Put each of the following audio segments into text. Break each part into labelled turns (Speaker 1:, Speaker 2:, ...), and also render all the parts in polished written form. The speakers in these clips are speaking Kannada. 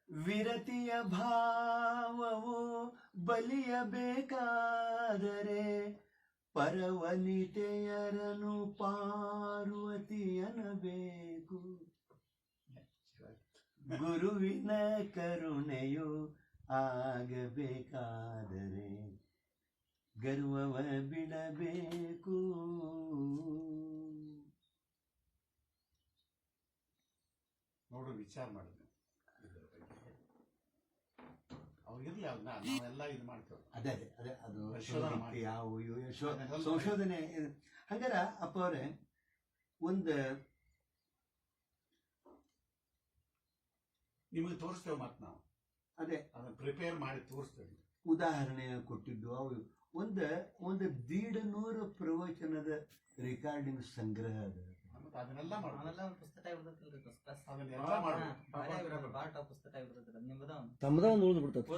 Speaker 1: ವಿರತಿಯ ಭಾವವು ಬಲಿಯಬೇಕಾದರೆ ಪರವನಿತೆಯರನು ಪಾರ್ವತಿಯನಬೇಕು. ಗುರುವಿನ ಕರುಣೆಯು ಆಗಬೇಕಾದರೆ ಗರ್ವವ ಬಿಡಬೇಕು.
Speaker 2: ನೋಡು, ವಿಚಾರ ಮಾಡಿದ್ವಿ ಅವ್ರಿಗಿರ್ಲಿ, ನಾವೆಲ್ಲ ಇದು ಮಾಡ್ತೇವೆ.
Speaker 1: ಅದೇ ಅದೇ ಅದು ಯಾವ ಸಂಶೋಧನೆ. ಹಂಗಾರ ಅಪ್ಪ ಅವರೇ, ಒಂದು
Speaker 2: ನಿಮಗೆ ತೋರಿಸ್ತೇವೆ ಮತ್ತೆ ನಾವು
Speaker 1: ಅದೇ
Speaker 2: ಅದನ್ನ ಪ್ರಿಪೇರ್ ಮಾಡಿ ತೋರಿಸ್ತೇವೆ.
Speaker 1: ಉದಾಹರಣೆ ಕೊಟ್ಟಿದ್ದು ಅವು ಒಂದು 150 ಪ್ರವಚನದ ರೆಕಾರ್ಡಿಂಗ್ ಸಂಗ್ರಹ ಅದ.
Speaker 2: ಅದನ್ನೆಲ್ಲ
Speaker 3: ತಮ್ಮದ ಒಂದು ಉಳಿದು ಬಿಡ್ತದೆ.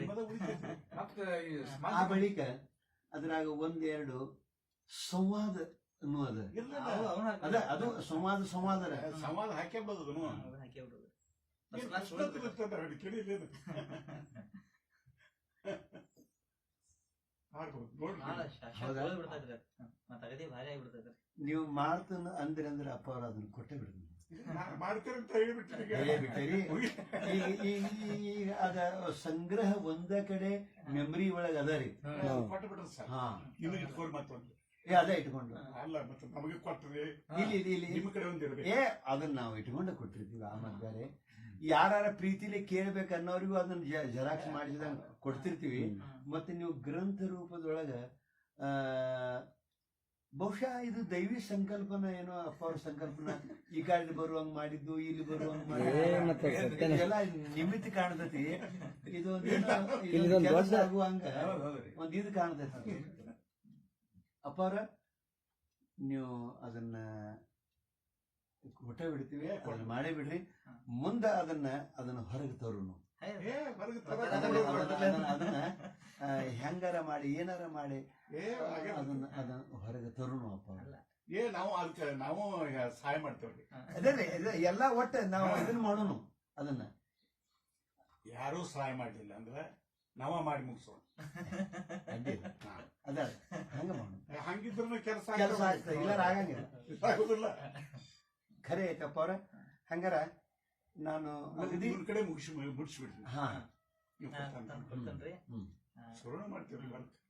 Speaker 1: ಆ ಬಳಿಕ ಅದ್ರಾಗ 1-2 ಸಂವಾದ ಅನ್ನೋದ ಅದು
Speaker 2: ಸಂವಾದ ಹಾಕೇ ಬರೋದು.
Speaker 1: ನೀವು ಮಾಡ್ತಾನ ಅಂದ್ರೆ ಅಪ್ಪ ಅವ್ರು ಅದನ್ನ ಕೊಟ್ಟೆ ಬಿಡ್ರಿ. ಈಗ ಅದ ಸಂಗ್ರಹ ಒಂದ ಕಡೆ ಮೆಮರಿ ಒಳಗ ಅದ ರೀ. ಅದೇ ಇಟ್ಕೊಂಡು ಅದನ್ನ ನಾವು ಇಟ್ಕೊಂಡ ಕೊಟ್ಟಿರ್ತೀವಿ. ಆಮೇಲೆ ಬೇರೆ ಯಾರ ಪ್ರೀತಿಲಿ ಕೇಳ್ಬೇಕು ಅನ್ನೋರಿಗೂ ಅದನ್ನ ಜೆರಾಕ್ಸ್ ಮಾಡಿಸಿದಂಗ ಕೊಡ್ತಿರ್ತೀವಿ. ಮತ್ತೆ ನೀವು ಗ್ರಂಥ ರೂಪದೊಳಗ ಬಹುಶಃ ಇದು ದೈವಿ ಸಂಕಲ್ಪನ ಏನೋ, ಅಪ್ಪ ಅವ್ರ ಸಂಕಲ್ಪನ ಈ ಕಾಲದಲ್ಲಿ ಬರುವಂಗ ಮಾಡಿದ್ದು, ಇಲ್ಲಿ ಬರುವಂಗ ಮಾಡಿದ್ದು ಎಲ್ಲ ನಿಮಿತ್ತ ಕಾಣ್ತತಿ. ಇದು ಆಗುವಂಗ ಒಂದ್ ಇದು ಕಾಣ್ತೈತಿ. ಅಪ್ಪ ಅವ್ರ ನೀವು ಅದನ್ನ ಕೊಟ್ಟೆ ಬಿಡ್ತೀವಿ, ಅದನ್ನ ಮಾಡೇ ಬಿಡ್ರಿ. ಮುಂದ ಅದನ್ನ ಹೊರಗೆ ತರೋನು. ಅದನ್ನ ಹೆಂಗಾರ ಮಾಡಿ ಏನಾರ ಮಾಡಿ ಅದನ್ನ ಹೊರಗೆ ತರೋನು ಅಪ್ಪ.
Speaker 2: ನಾವು ಸಹಾಯ ಮಾಡ್ತೇವ್ರಿ.
Speaker 1: ಅದೇ ಎಲ್ಲ ಒಟ್ಟು ನಾವು ಇದನ್ನ ಮಾಡೋನು. ಅದನ್ನ
Speaker 2: ಯಾರೂ ಸಹಾಯ ಮಾಡಲಿಲ್ಲ ಅಂದ್ರೆ ನಾವ ಮಾಡಿ ಮುಗಿಸೋಣ.
Speaker 1: ಅದ ಹಂಗ ಮಾಡೋಣ.
Speaker 2: ಹಂಗಿದ್ರು ಕೆಲಸ
Speaker 1: ಆಗ್ತದೆ, ಇಲ್ಲ ಆಗಂಗಿಲ್ಲ. ಖರೆ ಐತಪ್ಪ ಅವ್ರ. ಹಂಗಾರ ನಾನು ಅಗದಿ
Speaker 2: ಕಡೆ ಮುಗಿಸ್ಬಿಡ್ತೀನಿ.
Speaker 1: ಹಾ
Speaker 2: ಶುರು ಮಾಡ್ತೀವಿ.